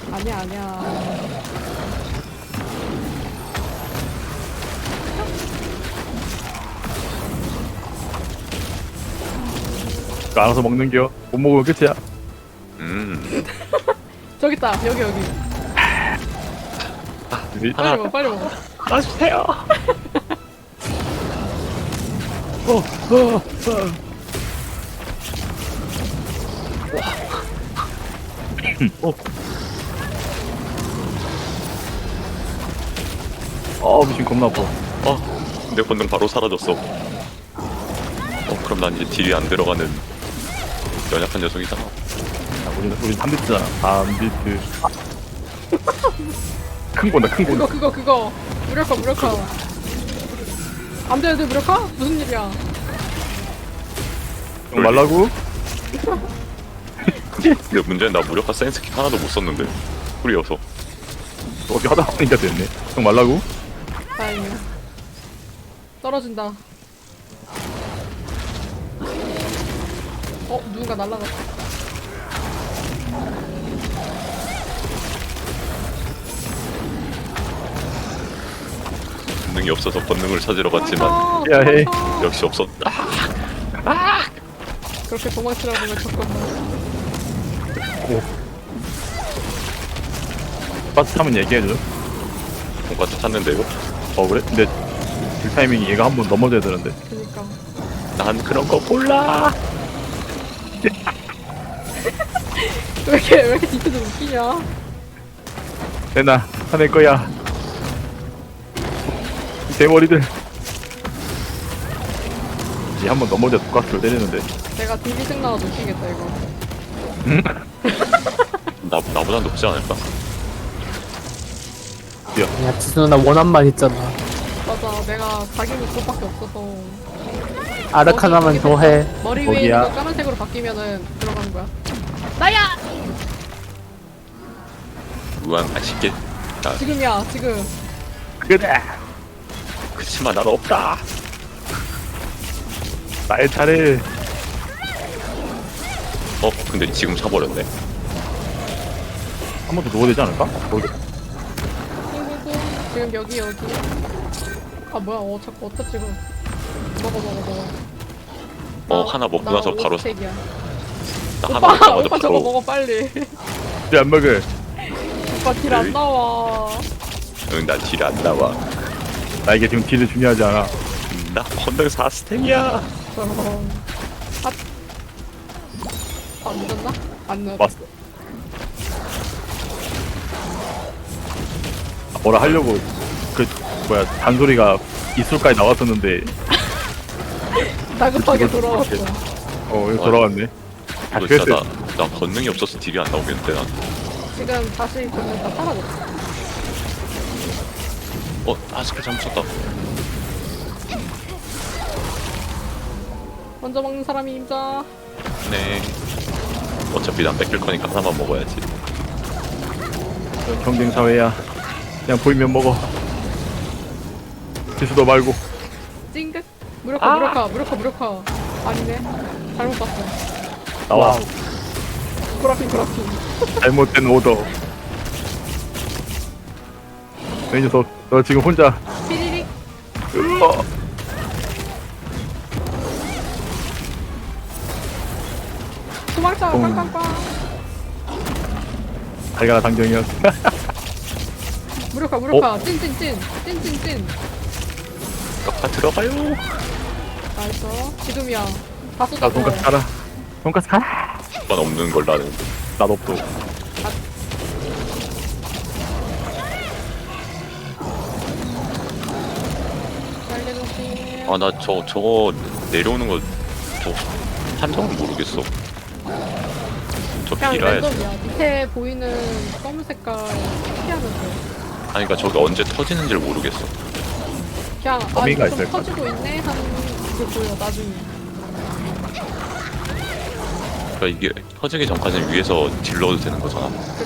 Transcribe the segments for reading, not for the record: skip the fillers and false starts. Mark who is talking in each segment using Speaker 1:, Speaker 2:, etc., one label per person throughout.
Speaker 1: 아니야 아니야.
Speaker 2: 그거 알아서 먹는겨. 못 먹으면 끝이야.
Speaker 1: 저기 있다. 여기 여기. 빨리 먹어 빨리 먹어.
Speaker 2: 알아주세요. 미친 겁나 아파.
Speaker 3: 내 본능 바로 사라졌어. 그럼 난 이제 딜이 안 들어가는 연약한 녀석이잖아.
Speaker 2: 우리 3비트잖아. 3비트. 큰 거다, 큰 거.
Speaker 1: 그거 무력화. 안 돼, 무력화? 무슨 일이야?
Speaker 2: 형 말라고?
Speaker 3: 근데 문제는 나 무력화 센스킥 하나도 못 썼는데. 꿀이어서.
Speaker 2: 어디 하다 보니까 됐네. 형 말라고?
Speaker 1: 다행이야. 떨어진다. 누군가 날라갔어.
Speaker 3: 본능이 없어서 본능을 찾으러 갔지만
Speaker 2: 야, 헤이.
Speaker 3: 역시 없었다.
Speaker 1: 그렇게 도망치라고 하면 잠깐만.
Speaker 2: 버스 타면 얘기해줘.
Speaker 3: 돈까스 탔는데요.
Speaker 2: 그래? 근데 딜 타이밍이 얘가 한 번 넘어져야 되는데.
Speaker 1: 그니까.
Speaker 3: 난 그런 거 몰라.
Speaker 1: 왜 이렇게 뒤에서 웃기냐?
Speaker 2: 내나 화낼 거야. 대머리들. 이제 한 번 넘어져 독가스를 때리는데.
Speaker 1: 내가 딜리생 나와도 웃기겠다, 이거.
Speaker 3: 나보다 높지 않을까?
Speaker 4: 야, 지수 누나 원한만 있잖아.
Speaker 1: 맞아, 내가 각인이 그것밖에 없어서.
Speaker 4: 아르카나만 더 해.
Speaker 1: 머리 위에
Speaker 2: 거기야.
Speaker 1: 있는 거 까만색으로 바뀌면은 들어가는 거야. 나야!
Speaker 3: 무한 아쉽게.
Speaker 1: 지금이야, 지금.
Speaker 2: 그래.
Speaker 3: 그치만 난 없다.
Speaker 2: 나의 차례.
Speaker 3: 근데 지금 차버렸네.
Speaker 2: 한 번 더 누워야 되지 않을까? 모르겠.
Speaker 1: 지금 여기. 뭐야, 자꾸 어디다 찍어. 먹어.
Speaker 3: 하나 먹고 나서 바로
Speaker 1: 색이야.
Speaker 3: 나 하나 먹자마자
Speaker 1: 오빠 저거
Speaker 3: 바로.
Speaker 1: 먹어, 빨리.
Speaker 2: 안 먹어.
Speaker 1: 오빠 딜 안 나와.
Speaker 3: 응, 난 딜이 안 나와.
Speaker 2: 나에게 지금 딜이 중요하지 않아.
Speaker 3: 나 건능 4스택이야.
Speaker 1: 저런. 늦었나? 안 늦었다.
Speaker 2: 왔어. 뭐라 하려고 잔소리가 이술까지 나왔었는데
Speaker 1: 다급하게 돌아왔어.
Speaker 2: 여기 돌아왔네.
Speaker 3: 너 진짜 나 건능이 없어서 딜이 안 나오겠는데 난.
Speaker 1: 지금 다시 보면 다 사라졌어.
Speaker 3: 스킬 잘못 썼다.
Speaker 1: 먼저 먹는 사람이 임자.
Speaker 3: 네. 어차피 난 뺏길 거니까 하나만 먹어야지.
Speaker 2: 경쟁 사회야. 그냥 보이면 먹어. 지수도 말고.
Speaker 1: 찡긋. 무력화. 아니네. 잘못 봤어.
Speaker 2: 나와.
Speaker 1: 구라핑.
Speaker 2: 잘못된 오더. 이 녀석, 너 지금 혼자.
Speaker 1: 삐리릭. 도망쳐. 꽝꽝꽝.
Speaker 2: 달걀아 당정이었어.
Speaker 1: 무력화. 찐.
Speaker 3: 아 들어가요.
Speaker 1: 나이스. 지금이야. 다 쏟아.
Speaker 2: 나 돈까스 가라. 돈까스 가라.
Speaker 3: 만 없는 걸 나는.
Speaker 2: 나도 없어.
Speaker 1: 날려놓기.
Speaker 3: 나 저거 내려오는 거 판정은 모르겠어. 저
Speaker 1: 그냥
Speaker 3: 비라야지.
Speaker 1: 랜덤이야. 밑에 보이는 검은 색깔 피하면 돼.
Speaker 3: 아니 그니까 저게 언제 터지는지를 모르겠어.
Speaker 1: 그냥
Speaker 2: 범위가
Speaker 1: 좀
Speaker 2: 있을
Speaker 1: 터지고 있네 하는 게 보여 나중에.
Speaker 3: 그러니까 이게 터지기 전까지는 위에서 딜러도 되는 거잖아.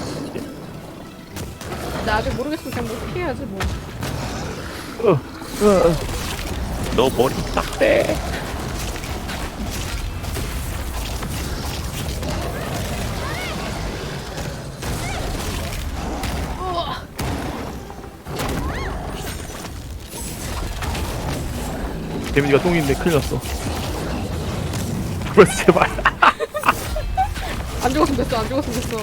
Speaker 1: 근데 아직 모르겠으면 그냥 뭐 피해야지 뭐.
Speaker 3: 너 머리 딱 대.
Speaker 2: 데미지가 똥인데 큰일 났어. 죽었어 제발.
Speaker 1: 안 죽었으면 됐어. 안 죽었으면 됐어.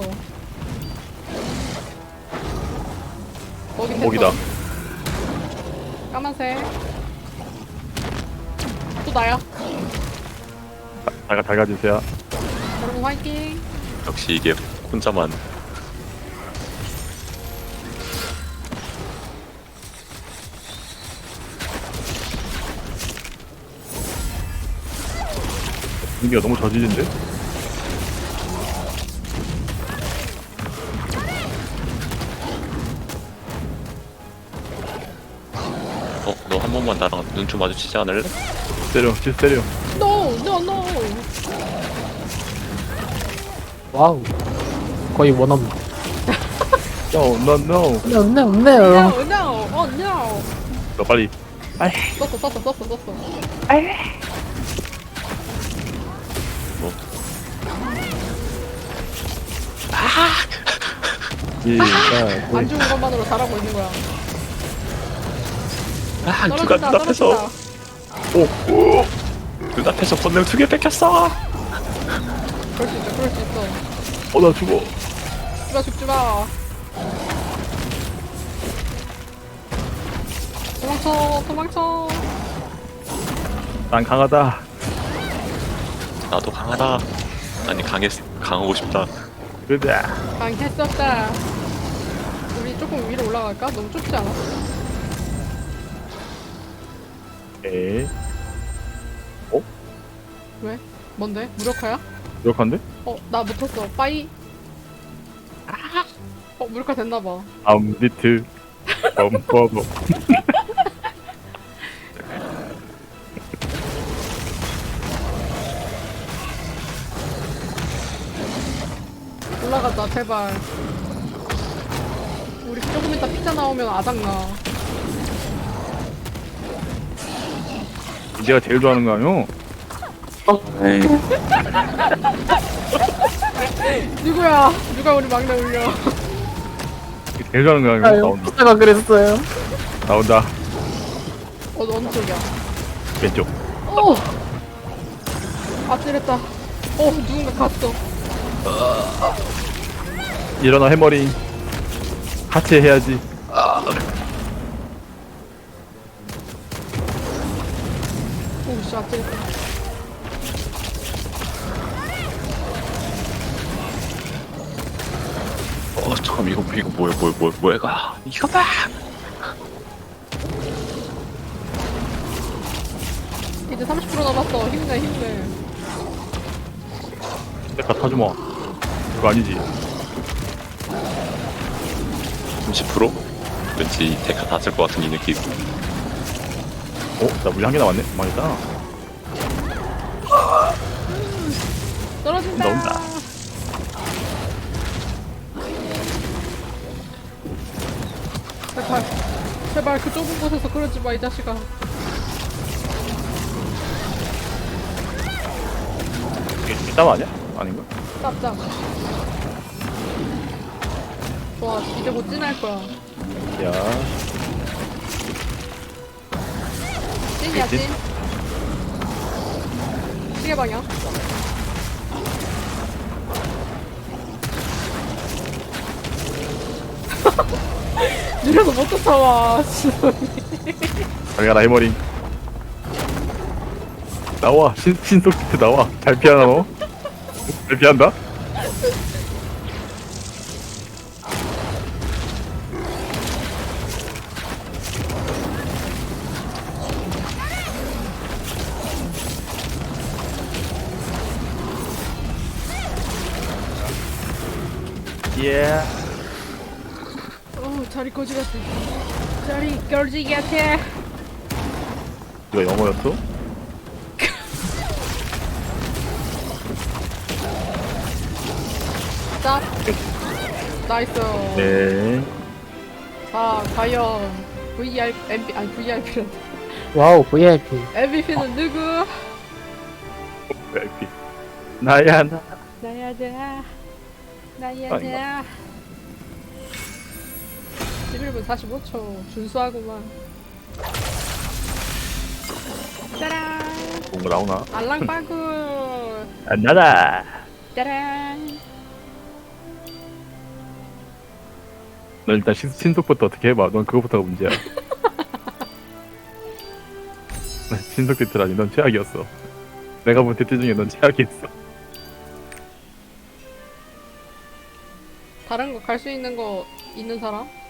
Speaker 1: 거기 됐어.
Speaker 2: 거기다.
Speaker 1: 까만색. 또 나야.
Speaker 2: 잘 가주세요.
Speaker 1: 여러분 화이팅.
Speaker 3: 역시 이게 혼자만.
Speaker 2: 분위기가 너무 저질인데?
Speaker 3: 너 한 번만 나랑 눈 좀 마주치지 않을래?
Speaker 2: 때려, 질 때려.
Speaker 1: No, no, no.
Speaker 4: 와우. 거의 원업.
Speaker 2: No, no, no.
Speaker 4: 없네, 없네, 없네요.
Speaker 1: No, no, oh no.
Speaker 2: 너 빨리.
Speaker 1: 썼어. 안 죽은 것만으로 잘하고 있는 거야.
Speaker 3: 누가
Speaker 1: 떨어진다,
Speaker 3: 눈앞에서
Speaker 1: 떨어진다.
Speaker 3: 오! 눈앞에서 본능 2개 뺏겼어!
Speaker 1: 그럴 수 있어, 그럴 수 있어.
Speaker 2: 나 죽어.
Speaker 1: 죽지 마. 도망쳐.
Speaker 2: 난 강하다.
Speaker 3: 나도 강하다. 아니 강하고 싶다.
Speaker 2: 그래.
Speaker 1: 강했었다. 우리 조금 위로 올라갈까? 너무 좁지 않아?
Speaker 2: 에이.
Speaker 1: 왜? 뭔데? 무력화야?
Speaker 2: 이렇게한데?
Speaker 1: 나 못했어. 빠이. 무력화 됐나봐.
Speaker 2: 암비트. 범퍼버.
Speaker 1: 올라가자, 제발. 우리 조금 이따 피자 나오면 아작나.
Speaker 2: 내가 제일 좋아하는 거 아니오?
Speaker 3: 에이.
Speaker 1: 누가 우리 막내 울려.
Speaker 2: 제일 좋아하는 거 아니오?
Speaker 4: 아유,
Speaker 2: 나온다.
Speaker 4: 피자가 그랬어요.
Speaker 2: 나온다.
Speaker 1: 너 어느 쪽이야?
Speaker 2: 왼쪽.
Speaker 1: 아찔했다. 누군가 갔어.
Speaker 2: 일어나 해머링. 같이 해야지.
Speaker 1: 오씨, 아찔했다.
Speaker 3: 잠깐 이거 뭐야 이거 봐!
Speaker 1: 이제 30% 남았어. 힘내.
Speaker 2: 내가 타주마. 그거 아니지.
Speaker 3: 30%? 왠지 데카 다 쓸 것 같은 이 느낌.
Speaker 2: 나 물이 한 개 남았네. 망했다.
Speaker 1: 떨어진다.
Speaker 2: 나온다.
Speaker 1: 제발 그 좁은 곳에서 그러지 마, 이 자식아.
Speaker 2: 이게 뒷담 아니야? 아닌가?
Speaker 1: 짭짭. 좋아, 이제 못 지날 거야.
Speaker 2: 야.
Speaker 1: 찐이야, 찐. 시계 방향. 느려서 못 쫓아와.
Speaker 2: 잘 가라 해머링. 나와. 신속 기트 나와. 잘 피하나 너? 잘 피한다? 예.
Speaker 1: 자리 거지 같아. 자리 거지 같아.
Speaker 2: 이거 영어였어?
Speaker 1: 짭. 나이스.
Speaker 2: 네.
Speaker 1: 자, 과연 VIP는
Speaker 4: 와우, VIP.
Speaker 1: MVP는 누구?
Speaker 2: VIP. 나야 나.
Speaker 1: 나야자.
Speaker 2: 아닌가?
Speaker 1: 나야자. 11분 45초. 준수하구만. 짜란.
Speaker 2: 뭔가 나오나?
Speaker 1: 알랑바구.
Speaker 2: 안 나다.
Speaker 1: 짜란.
Speaker 2: 넌 일단 신속부터 어떻게 해봐. 넌 그거부터가 문제야. 신속 띠트라니 넌 최악이었어. 내가 본 띠트 중에 넌 최악이었어.
Speaker 1: 다른 거 갈 수 있는 거 있는 사람?